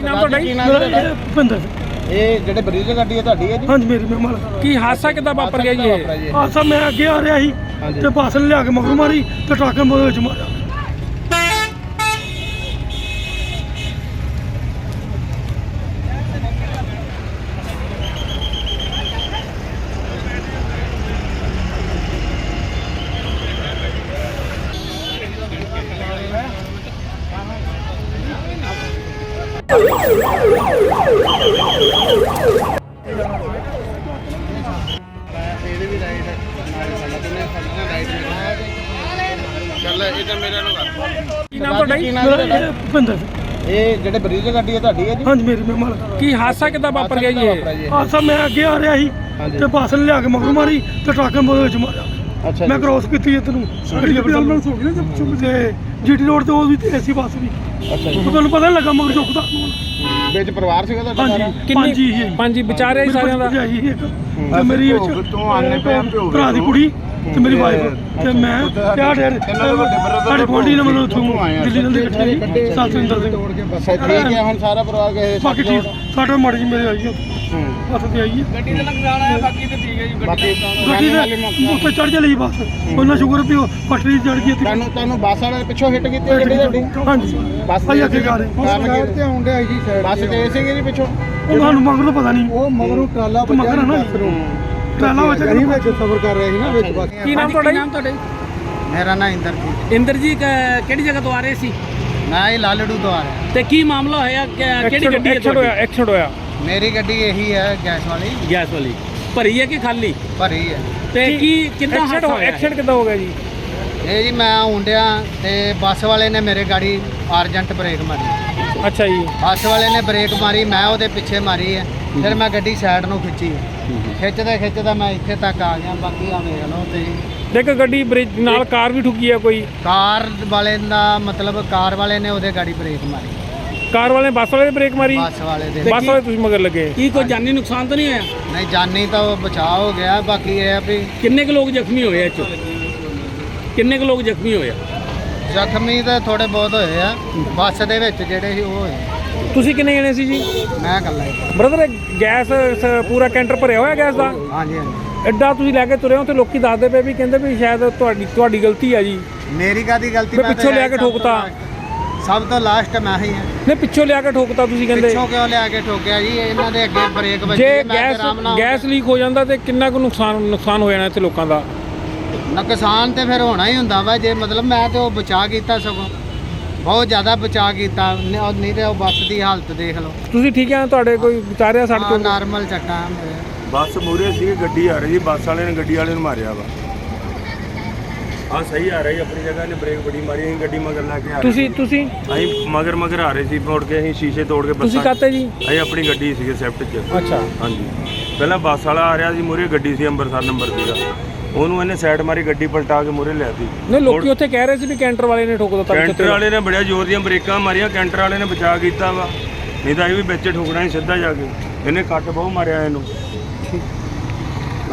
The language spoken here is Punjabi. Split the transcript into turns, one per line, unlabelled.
ਨਾਮ ਤੁਹਾਡਾ ਜੀ?
ਭੁਪਿੰਦਰ।
ਇਹ ਜਿਹੜੇ ਬਰੀਜ ਗੱਡੀ ਹੈ ਤੁਹਾਡੀ ਹੈ ਜੀ?
ਹਾਂਜੀ ਮੇਰੀ ਮੈਂ ਮਾਲਕ।
ਕੀ ਹਾਦਸਾ ਕਿੱਦਾਂ ਵਾਪਰ ਗਿਆ ਜੀ ਇਹ?
ਹਾਦਸਾ ਮੈਂ ਅੱਗੇ ਆ ਰਿਹਾ ਸੀ ਤੇ ਬੱਸ ਨੇ ਲਿਆ ਕੇ ਮਗਰ ਮਾਰੀ ਤੇ ਟਰੱਕ ਨੇ ਉਹਦੇ ਵਿੱਚ ਮਾਰਿਆ।
ਇਹਦੇ ਵੀ ਰਾਈਟ ਚੱਲ ਇਧਰ ਮੇਰੇ ਨੂੰ ਕਰ।
ਕੀ ਨਾਮ ਤੁਹਾਡਾ ਜੀ?
ਭੁਪਿੰਦਰ।
ਇਹ ਜਿਹੜੇ ਬਰੀਜ ਗੱਡੀ ਹੈ ਤੁਹਾਡੀ ਹੈ ਜੀ?
ਹਾਂਜੀ ਮੇਰੀ ਮੈਂ ਮਾਲਕ।
ਕੀ ਹਾਦਸਾ ਕਿੱਦਾਂ ਵਾਪਰ ਗਿਆ ਜੀ ਇਹ?
ਹਾਦਸਾ ਮੈਂ ਅੱਗੇ ਆ ਰਿਹਾ ਸੀ ਤੇ ਬੱਸ ਨੇ ਲਿਆ ਕੇ ਮਗਰ ਮਾਰੀ ਤੇ ਟਰੱਕ ਨੇ ਉਹਦੇ ਵਿੱਚ ਮਾਰਿਆ।
ਅੱਛਾ
ਮੈਂ ਕ੍ਰੋਸ ਕੀਤੀ ਇੱਧਰ ਨੂੰ ਗੱਡੀ ਐਂਬੂਲੈਂਸ ਹੋ ਗਈ ਨਾ ਚੁੱਪ ਤੇ ਜੀਟੀ ਰੋਡ ਤੇ ਉਹ ਵੀ ਏਸੀ ਬੱਸ ਵੀ।
ਅੱਛਾ ਜੀ।
ਤੁਹਾਨੂੰ ਪਤਾ ਨਹੀਂ ਲੱਗਾ ਮਗਰ ਚੁੱਕਦਾ।
ਵਿੱਚ ਪਰਿਵਾਰ ਸੀਗਾ ਤੁਹਾਡਾ ਸਾਰਾ?
ਹਾਂਜੀ ਪੰਜ ਹੀ ਸੀ।
ਪੰਜ ਵਿਚਾਰੇ ਸਾਰਿਆਂ ਦਾ?
ਤੇ ਮੇਰੀ ਭਰਾ ਦੀ ਕੁੜੀ ਤੇ ਮੇਰੀ ਵਾਈਫ ਤੇ ਮੈਂ ਸਾਡੇ ਗੁਆਂਢੀ ਨੇ ਮੈਨੂੰ ਉੱਥੋਂ ਦਿੱਲੀ ਨਾਲ ਇਕੱਠੇ ਸਤਿੰਦਰ ਸਿੰਘ।
ਠੀਕ ਹੈ ਹੁਣ ਸਾਰਾ ਪਰਿਵਾਰ ਗਏ?
ਬਾਕੀ ਠੀਕ ਸਾਡਾ ਮਾੜੀ ਜੀ ਮੇਰੇ ਆਈ ਹੱਥ ਤੇ ਆਈ ਹੈ।
ਗੱਡੀ ਦਾ ਨੁਕਸਾਨ ਆਇਆ, ਬਾਕੀ ਤੇ ਠੀਕ ਹੈ ਜੀ।
ਗੱਡੀ ਦੇ ਉੱਤੇ ਚੜ ਚਲੀ ਬੱਸ। ਉਹਨਾਂ ਸ਼ੁਕਰ ਵੀ ਉਹ ਪਟੜੀ ਚੜ ਗਈ।
ਤੁਹਾਨੂੰ ਬੱਸ ਵਾਲੇ ਨੇ ਪਿੱਛੋਂ ਹਿੱਟ ਕੀਤੀ ਗੱਡੀ ਤੁਹਾਡੀ?
ਹਾਂਜੀ
ਬੱਸ
ਆਈ ਅੱਗੇ ਜਾ ਰਹੀ
ਕਾਰਨ ਤੇ ਆਉਂਦੇ ਆਈ ਜੀ ਬੱਸ ਤੇ ਸੀਗੇ ਜੀ ਪਿੱਛੋਂ?
ਉਹ ਸਾਨੂੰ ਮਗਰ ਤਾਂ ਪਤਾ ਨਹੀਂ।
ਉਹ ਮਗਰੋਂ ਟਰਾਲਾ
ਮਗਰ ਨਾ ਟਰਾਲਾ ਵਿੱਚ
ਸਫ਼ਰ ਕਰ ਰਿਹਾ ਸੀ ਨਾ ਵਿੱਚ ਬੱਸ।
ਕੀ ਨਾਮ ਤੁਹਾਡਾ ਜੀ?
ਮੇਰਾ ਨਾਮ ਇੰਦਰਜੀਤ।
ਇੰਦਰ ਜੀ ਕਿਹੜੀ ਜਗ੍ਹਾ ਤੋਂ ਆ ਰਹੇ ਸੀ?
ਮੈਂ ਇਹ ਲਾਲੜੂ ਤੋਂ ਆ ਰਿਹਾ।
ਤੇ ਕੀ ਮਾਮਲਾ ਹੋਇਆ? ਕਿਹੜੀ ਗੱਡੀ ਹੈ ਤੁਹਾਡੀ?
ਐਕਸੀਡੈਂਟ ਹੋਇਆ।
ਮੇਰੀ ਗੱਡੀ ਇਹੀ ਹੈ ਗੈਸ ਵਾਲੀ।
ਗੈਸ ਵਾਲੀ ਭਰੀ ਹੈ ਕਿ ਖਾਲੀ?
ਭਰੀ ਹੈ।
ਤੇ ਕੀ ਕਿੰਨਾ ਹਾਦਸਾ ਹੋਇਆ?
ਐਕਸੀਡੈਂਟ ਕਿੱਦਾਂ ਹੋ ਗਿਆ ਜੀ?
ਇਹ ਜੀ ਮੈਂ ਆਉਂਦਿਆ ਤੇ ਬੱਸ ਵਾਲੇ ਨੇ ਮੇਰੇ ਗਾੜੀ ਅਰਜੈਂਟ ਬ੍ਰੇਕ ਮਾਰੀ।
ਅੱਛਾ ਜੀ।
ਬੱਸ ਵਾਲੇ ਨੇ ਬ੍ਰੇਕ ਮਾਰੀ, ਮੈਂ ਉਹਦੇ ਪਿੱਛੇ ਮਾਰੀ ਹੈ। ਫਿਰ ਮੈਂ ਗੱਡੀ ਸਾਈਡ ਨੂੰ ਖਿੱਚੀ। ਖਿੱਚਦਾ ਮੈਂ ਇੱਥੇ ਤੱਕ ਆ ਗਿਆ। ਬਾਕੀ ਆ ਵੇਖ ਲਓ ਤੇ
ਦੇਖ ਗੱਡੀ ਬ੍ਰੇਕ ਨਾਲ ਕਾਰ ਵੀ ਠੁੱਕੀ ਆ ਕੋਈ?
ਕਾਰ ਵਾਲੇ ਦਾ ਮਤਲਬ ਕਾਰ ਵਾਲੇ ਨੇ ਉਹਦੇ ਗਾੜੀ ਬ੍ਰੇਕ ਮਾਰੀ।
ਕਾਰ ਵਾਲੇ ਨੇ ਬੱਸ ਵਾਲੇ ਨੇ ਬ੍ਰੇਕ ਮਾਰੀ?
ਬੱਸ ਵਾਲੇ ਦੇ।
ਬੱਸ ਵਾਲੇ ਤੁਸੀਂ ਮਗਰ ਲੱਗੇ?
ਕੀ ਕੋਈ ਜਾਨੀ ਨੁਕਸਾਨ ਤਾਂ ਨਹੀਂ ਹੋਇਆ?
ਨਹੀਂ ਜਾਨੀ ਤਾਂ ਉਹ ਬਚਾਅ ਹੋ ਗਿਆ। ਬਾਕੀ ਇਹ ਆ ਵੀ
ਕਿੰਨੇ ਕੁ ਲੋਕ ਜ਼ਖਮੀ ਹੋਏ ਇਹ 'ਚੋਂ? ਕਿੰਨੇ ਕੁ ਲੋਕ ਜ਼ਖਮੀ ਹੋਏ?
ਜ਼ਖਮੀ ਤਾਂ ਥੋੜੇ ਬਹੁਤ ਹੋਏ ਆ ਬੱਸ ਦੇ ਵਿੱਚ ਜਿਹੜੇ ਸੀ ਉਹ ਹੋਏ।
ਤੁਸੀਂ ਕਿੰਨੇ ਜਣੇ ਸੀ ਜੀ?
ਮੈਂ ਇਕੱਲਾ ਹੀ।
ਬ੍ਰਦਰ ਗੈਸ ਪੂਰਾ ਕੈਂਟਰ ਭਰਿਆ ਹੋਇਆ ਗੈਸ ਦਾ?
ਹਾਂਜੀ ਹਾਂਜੀ।
ਐਡਾ ਤੁਸੀਂ ਲੈ ਕੇ ਤੁਰੇ ਹੋ ਤੇ ਲੋਕੀ ਦੱਸਦੇ ਪਏ ਵੀ ਕਹਿੰਦੇ ਵੀ ਸ਼ਾਇਦ ਤੁਹਾਡੀ ਗਲਤੀ ਆ ਜੀ।
ਮੇਰੀ ਕਾਹਦੀ ਗਲਤੀ?
ਮੈਂ ਪਿੱਛੋਂ ਲਿਆ ਕੇ ਠੋਕਤਾ।
ਸਭ ਤੋਂ ਲਾਸਟ ਮੈਂ ਹੀ ਹਾਂ।
ਨਹੀਂ ਪਿੱਛੋਂ ਲਿਆ ਕੇ ਠੋਕਤਾ ਤੁਸੀਂ ਕਹਿੰਦੇ?
ਪਿੱਛੋਂ ਕਿਉਂ ਲਿਆ ਕੇ ਠੋਕਿਆ ਜੀ? ਇਹਨਾਂ ਦੇ ਅੱਗੇ ਬ੍ਰੇਕ ਵੱਜੀ।
ਜੇ
ਮੈਂ ਆਰਾਮ ਨਾਲ
ਗੈਸ ਲੀਕ ਹੋ ਜਾਂਦਾ ਤੇ ਕਿੰਨਾ ਕੁ ਨੁਕਸਾਨ ਹੋ ਜਾਣਾ ਇੱਥੇ ਲੋਕਾਂ ਦਾ?
ਨੁਕਸਾਨ ਤੇ ਫਿਰ ਹੋਣਾ ਹੀ ਹੁੰਦਾ ਵਾ। ਜੇ ਮਤਲਬ ਮੈਂ ਤੇ ਉਹ ਬਚਾ ਕੀਤਾ, ਸਗੋਂ ਬਹੁਤ ਜ਼ਿਆਦਾ ਬਚਾ ਕੀਤਾ। ਨਹੀਂ ਤੇ ਉਹ ਬੱਸ ਦੀ ਹਾਲਤ ਦੇਖ ਲਓ।
ਤੁਸੀਂ ਠੀਕ ਆ? ਤੁਹਾਡੇ ਕੋਈ ਵਿਚਾਰਿਆ ਸੜਕ ਤੋਂ?
ਨਾਰਮਲ ਚੱਟਾਂ
ਬੱਸ ਮੂਹਰੇ ਸੀ, ਗੱਡੀ ਆ ਰਹੀ ਸੀ, ਬੱਸ ਵਾਲੇ ਨੇ ਗੱਡੀ ਵਾਲੇ ਨੂੰ ਮਾਰਿਆ ਵਾ। ਹਾਂ ਸਹੀ ਆ ਰਹੀ ਆਪਣੀ ਜਗ੍ਹਾ ਨੇ ਬ੍ਰੇਕ ਬੜੀ ਮਾਰੀ। ਅਸੀਂ ਗੱਡੀ ਮਗਰ ਲਾ ਕੇ ਆ ਰਹੇ
ਤੁਸੀਂ
ਅਸੀਂ ਮਗਰ ਆ ਰਹੇ ਸੀ। ਮੋੜ ਕੇ ਅਸੀਂ ਸ਼ੀਸ਼ੇ ਤੋੜ ਕੇ
ਤੁਸੀਂ ਕਾਤੇ ਜੀ?
ਅਸੀਂ ਆਪਣੀ ਗੱਡੀ ਸੀਗੇ ਸਵਿਫਟ 'ਚ।
ਅੱਛਾ
ਹਾਂਜੀ। ਪਹਿਲਾਂ ਬੱਸ ਵਾਲਾ ਆ ਰਿਹਾ ਸੀ, ਮੂਹਰੇ ਗੱਡੀ ਸੀ, ਅੰਮ੍ਰਿਤਸਰ ਨੰਬਰ ਸੀਗਾ। ਉਹਨੂੰ ਇਹਨੇ ਸਾਈਡ ਮਾਰੀ, ਗੱਡੀ ਪਲਟਾ ਕੇ ਮੂਹਰੇ ਲਿਆਤੀ।
ਨਹੀਂ ਲੋਕੀ ਉੱਥੇ ਕਹਿ ਰਹੇ ਸੀ ਵੀ ਕੈਂਟਰ ਵਾਲੇ ਨੇ ਠੋਕ ਦਿੱਤਾ।
ਕੈਂਟਰ ਵਾਲੇ ਨੇ ਬੜਿਆ ਜ਼ੋਰ ਦੀਆਂ ਬ੍ਰੇਕਾਂ ਮਾਰੀਆਂ, ਕੈਂਟਰ ਵਾਲੇ ਨੇ ਬਚਾ ਕੀਤਾ ਵਾ। ਨਹੀਂ ਤਾਂ ਇਹ ਵੀ ਵਿੱਚ ਠੋਕਣਾ ਸੀ ਸਿੱਧਾ ਜਾ ਕੇ। ਇਹਨੇ ਕੱਟ ਬਹੁਤ ਮਾਰਿਆ ਇਹਨੂੰ।